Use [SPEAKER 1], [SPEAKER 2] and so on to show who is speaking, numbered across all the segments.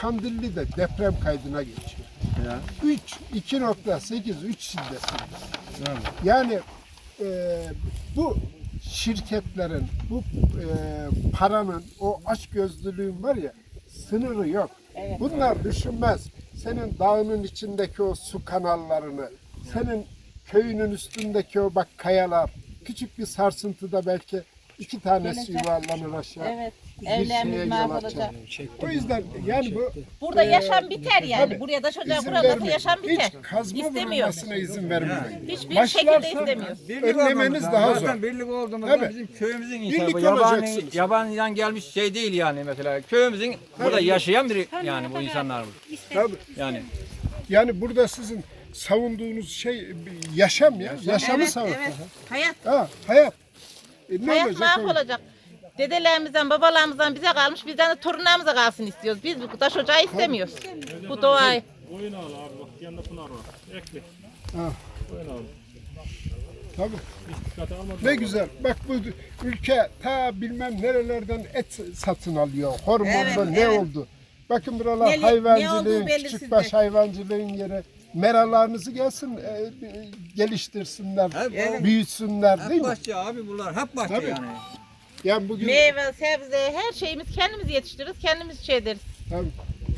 [SPEAKER 1] Kandilli'de deprem kaydına geçiyor.
[SPEAKER 2] Ya.
[SPEAKER 1] 2.8, 3 şiddetinde.
[SPEAKER 2] Evet.
[SPEAKER 1] Yani bu şirketlerin, bu paranın, o açgözlülüğün var ya, sınırı yok.
[SPEAKER 3] Evet.
[SPEAKER 1] Bunlar düşünmez. Senin dağının içindeki o su kanallarını, senin köyünün üstündeki o bak kayalar, küçük bir sarsıntıda belki 2 tanesi
[SPEAKER 3] Gelecek.
[SPEAKER 1] yuvarlanır aşağı.
[SPEAKER 3] Evet.
[SPEAKER 1] Bir şeye
[SPEAKER 3] Evlerimiz
[SPEAKER 1] yol
[SPEAKER 3] mahvolacak.
[SPEAKER 1] açar. O yüzden yani bu
[SPEAKER 3] Burada yaşam biter yani.
[SPEAKER 1] tabii,
[SPEAKER 3] Buraya da çocuğa
[SPEAKER 1] izin
[SPEAKER 3] burada
[SPEAKER 1] vermeyin.
[SPEAKER 3] yaşam biter.
[SPEAKER 1] Hiç kazma
[SPEAKER 3] İstemiyor.
[SPEAKER 1] vurulmasına izin vermeyin.
[SPEAKER 3] Hiçbir
[SPEAKER 1] Başlarsa
[SPEAKER 3] şekilde istemiyor.
[SPEAKER 1] önlemeniz daha zor.
[SPEAKER 2] Zaten birlik olduğumuzda
[SPEAKER 1] Tabii.
[SPEAKER 2] bizim köyümüzün
[SPEAKER 1] Birlik
[SPEAKER 2] insanı. Bu yabani,
[SPEAKER 1] olacaksınız.
[SPEAKER 2] yabaniden gelmiş şey değil yani mesela. Köyümüzün burada yaşayan biri yani bu insanlar.
[SPEAKER 1] Tabii.
[SPEAKER 2] Yani
[SPEAKER 1] Yani burada sizin savunduğunuz şey yaşam ya. Yaşamı
[SPEAKER 3] Evet,
[SPEAKER 1] savun.
[SPEAKER 3] evet. Hayat.
[SPEAKER 1] Ha, hayat. Ne
[SPEAKER 3] Hayat
[SPEAKER 1] olacak?
[SPEAKER 3] mahvolacak. Dedelerimizden, babalarımızdan bize kalmış, bizden de torunlarımıza kalsın istiyoruz. Biz bu taş ocağı istemiyoruz. Bu doğayı.
[SPEAKER 4] Oyun al abi bak yanında pınar var. Ekle.
[SPEAKER 1] Ha.
[SPEAKER 4] Oyun al.
[SPEAKER 1] Tabii.
[SPEAKER 4] Hiç dikkate almadım.
[SPEAKER 1] Ne güzel. Bak bu ülke ta bilmem nerelerden et satın alıyor. Hormonlu
[SPEAKER 3] Evet,
[SPEAKER 1] ne
[SPEAKER 3] evet.
[SPEAKER 1] oldu? Bakın buralar
[SPEAKER 3] Ne
[SPEAKER 1] hayvancılığın,
[SPEAKER 3] olduğu belli
[SPEAKER 1] küçükbaş
[SPEAKER 3] sizde.
[SPEAKER 1] hayvancılığın yeri. Meralarınızı gelsin, geliştirsinler,
[SPEAKER 2] Evet.
[SPEAKER 1] büyütsünler değil
[SPEAKER 2] hep
[SPEAKER 1] mi?
[SPEAKER 2] bahçe abi bunlar. Hep bahçe
[SPEAKER 1] Tabii.
[SPEAKER 2] yani.
[SPEAKER 1] Yani bugün
[SPEAKER 3] Meyve, sebze, her şeyimiz kendimiz yetiştiririz, kendimiz şey ederiz.
[SPEAKER 1] tabii,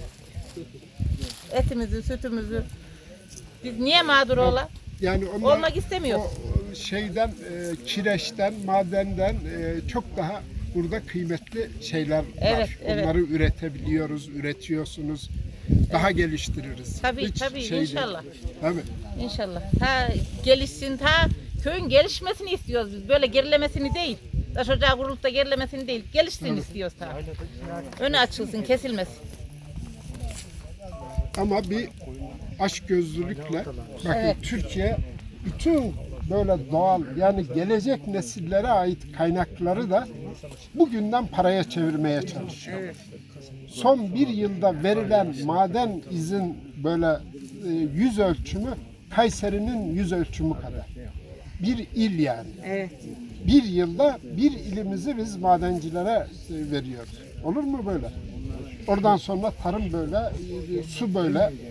[SPEAKER 3] Etimizi, sütümüzü. Biz niye mağdur ola?
[SPEAKER 1] yani onlar
[SPEAKER 3] Olmak istemiyoruz.
[SPEAKER 1] o şeyden, kireçten, madenden çok daha burada kıymetli şeyler var.
[SPEAKER 3] Evet, evet.
[SPEAKER 1] Onları üretebiliyoruz, üretiyorsunuz. Daha geliştiririz.
[SPEAKER 3] Tabii,
[SPEAKER 1] Hiç
[SPEAKER 3] tabii,
[SPEAKER 1] şey değil.
[SPEAKER 3] inşallah.
[SPEAKER 1] Tabii.
[SPEAKER 3] İnşallah. Ta gelişsin, ta köyün gelişmesini istiyoruz biz. Böyle gerilemesini değil. Taş ocağı kurulup da gerilemesini değil. Gelişsin istiyoruz ta. Önü açılsın, kesilmesin.
[SPEAKER 1] Ama bir açgözlülükle bakın
[SPEAKER 3] Evet.
[SPEAKER 1] Türkiye bütün böyle doğal yani gelecek nesillere ait kaynakları da bugünden paraya çevirmeye çalışıyor. Son bir yılda verilen maden izin böyle yüz ölçümü Kayseri'nin yüz ölçümü kadar. Bir il yani.
[SPEAKER 3] Evet.
[SPEAKER 1] Bir yılda bir ilimizi biz madencilere veriyoruz. Olur mu böyle? Oradan sonra tarım böyle, su böyle,